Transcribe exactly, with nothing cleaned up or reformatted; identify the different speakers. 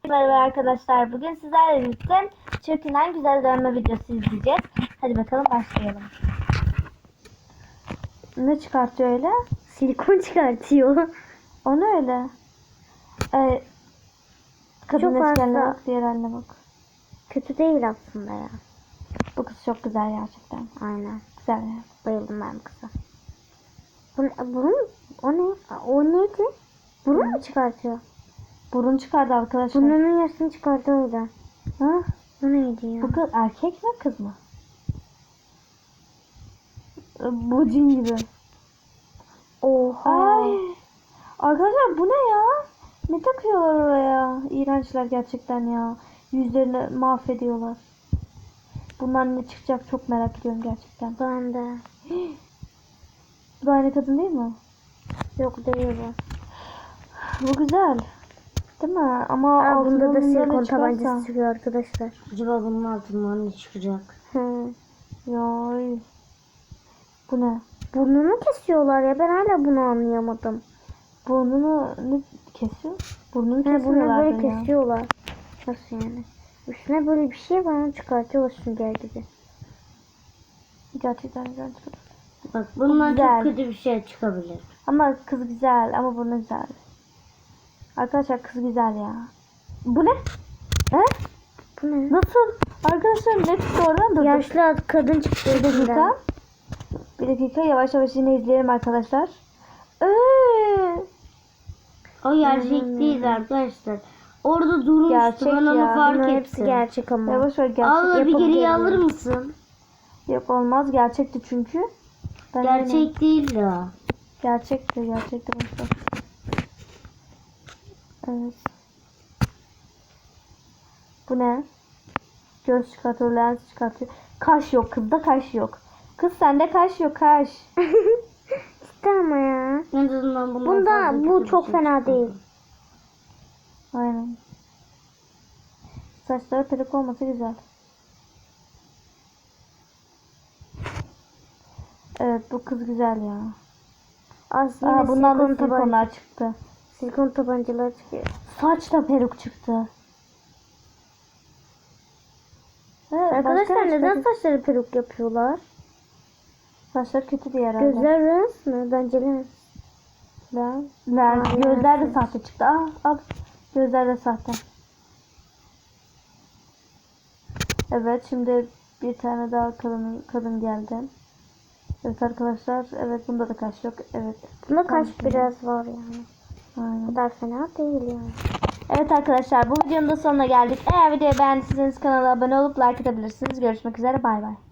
Speaker 1: Merhaba arkadaşlar. Bugün sizlerle birlikte çökünen güzel dönme videosu izleyeceğiz. Hadi bakalım başlayalım. Ne çıkartıyor öyle?
Speaker 2: Silikon çıkartıyor.
Speaker 1: O ne öyle? Ee, kadın
Speaker 2: Çok
Speaker 1: eşkenle
Speaker 2: fazla.
Speaker 1: bak, diğer haline bak.
Speaker 2: Kötü değil aslında ya.
Speaker 1: Bu kız çok güzel gerçekten.
Speaker 2: Aynen.
Speaker 1: Güzel ya.
Speaker 2: Bayıldım ben bu kıza. Bu, bunun, o ne? O neydi? Burun mu çıkartıyor?
Speaker 1: Burun çıkardı arkadaşlar.
Speaker 2: Burnunun yarısını çıkartıyor o da.
Speaker 1: Ha?
Speaker 2: Bu neydi ya?
Speaker 1: Bu kız erkek mi kız mı? Ee, Bu cin gibi.
Speaker 2: Oha.
Speaker 1: Ay. Arkadaşlar bu ne ya? Ne takıyorlar oraya? İğrençler gerçekten ya. Yüzlerini mahvediyorlar. Bundan ne çıkacak çok merak ediyorum gerçekten.
Speaker 2: Ben de.
Speaker 1: Bu da aynı kadın değil mi?
Speaker 2: Yok değil bu.
Speaker 1: Bu güzel. Değil mi? Ama
Speaker 2: Aa, bunda da
Speaker 1: altından
Speaker 2: silikon
Speaker 1: ne çıkarsa-
Speaker 2: tabancası çıkıyor arkadaşlar.
Speaker 3: Acaba bunun altından ne çıkacak?
Speaker 2: Hı.
Speaker 1: Yay. Bu ne?
Speaker 2: Burnunu kesiyorlar ya. Ben hala bunu anlayamadım.
Speaker 1: Burnunu ne kesiyor? Burnunu
Speaker 2: He, bunu
Speaker 1: kesiyorlar
Speaker 2: böyle
Speaker 1: ya.
Speaker 2: kesiyorlar. Nasıl yani? Üstüne böyle bir şey var, onu çıkartıyorlar sünger gibi.
Speaker 1: Gerçekten güzel çıkıyor.
Speaker 3: Bak bundan
Speaker 1: Güzel.
Speaker 3: çok kötü bir şey çıkabilir.
Speaker 1: Ama kız güzel ama burnu güzel. Arkadaşlar kız güzel ya. Bu ne? He?
Speaker 2: Bu ne?
Speaker 1: Nasıl? Arkadaşlar ne çıktı oradan da?
Speaker 2: Yaşlı kadın çıktı
Speaker 1: Bir dakika.
Speaker 2: içinden.
Speaker 1: Bir dakika yavaş yavaş yine izleyelim arkadaşlar. Ee,
Speaker 3: O gerçek
Speaker 2: Hmm.
Speaker 3: değil arkadaşlar. Orada durmuştu,
Speaker 1: Gerçek
Speaker 3: ben onu
Speaker 1: ya.
Speaker 3: fark
Speaker 2: Bunların
Speaker 3: ettim.
Speaker 2: hepsi gerçek ama.
Speaker 1: yavaş yavaş gerçek.
Speaker 3: Abla bir
Speaker 2: yapıp
Speaker 3: geriye
Speaker 2: geliyor.
Speaker 3: alır mısın?
Speaker 1: Yok olmaz gerçekti çünkü. Ben
Speaker 3: Gerçek
Speaker 1: eminim.
Speaker 3: değil ya.
Speaker 1: Gerçekti gerçekti. Boşver. Evet. Bu ne? Göz çıkartıyor, lens çıkartıyor. Kaş yok, kızda kaş yok. Kız sende kaş yok, kaş.
Speaker 2: Ciddi ama ya.
Speaker 3: En azından bundan
Speaker 2: Bunda
Speaker 3: fazla
Speaker 2: bu
Speaker 3: kötü bir
Speaker 2: çok
Speaker 3: şey
Speaker 2: fena
Speaker 3: çıkmadı.
Speaker 2: değil.
Speaker 1: Aynen. Saçları peruk olması güzel. Evet bu kız güzel ya.
Speaker 2: Aslında
Speaker 1: Aa, bundan da
Speaker 2: silikon, taban
Speaker 1: silikonlar çıktı.
Speaker 2: silikon tabancalar çıkıyor.
Speaker 1: Saç da peruk çıktı. Evet,
Speaker 2: Arkadaşlar
Speaker 1: başka
Speaker 2: neden
Speaker 1: çıktı?
Speaker 2: saçları peruk yapıyorlar?
Speaker 1: Saçları kötü diye herhalde.
Speaker 2: Gözler lens mi? Bence lens.
Speaker 1: Lens. Lens.
Speaker 2: Aa,
Speaker 1: Gözler de
Speaker 2: lens.
Speaker 1: sahte çıktı. Aa, al. Gözler de sahte. Evet şimdi bir tane daha kadın kadın geldi. Evet arkadaşlar. Evet bunda da kaş yok. Evet.
Speaker 2: Bunda
Speaker 1: Tamam,
Speaker 2: kaş
Speaker 1: şimdi.
Speaker 2: biraz var yani.
Speaker 1: Aynen.
Speaker 2: O kadar fena değil yani.
Speaker 1: Evet arkadaşlar bu videonun da sonuna geldik. Eğer videoyu beğendiyseniz kanala abone olup like atabilirsiniz. Görüşmek üzere bay bay.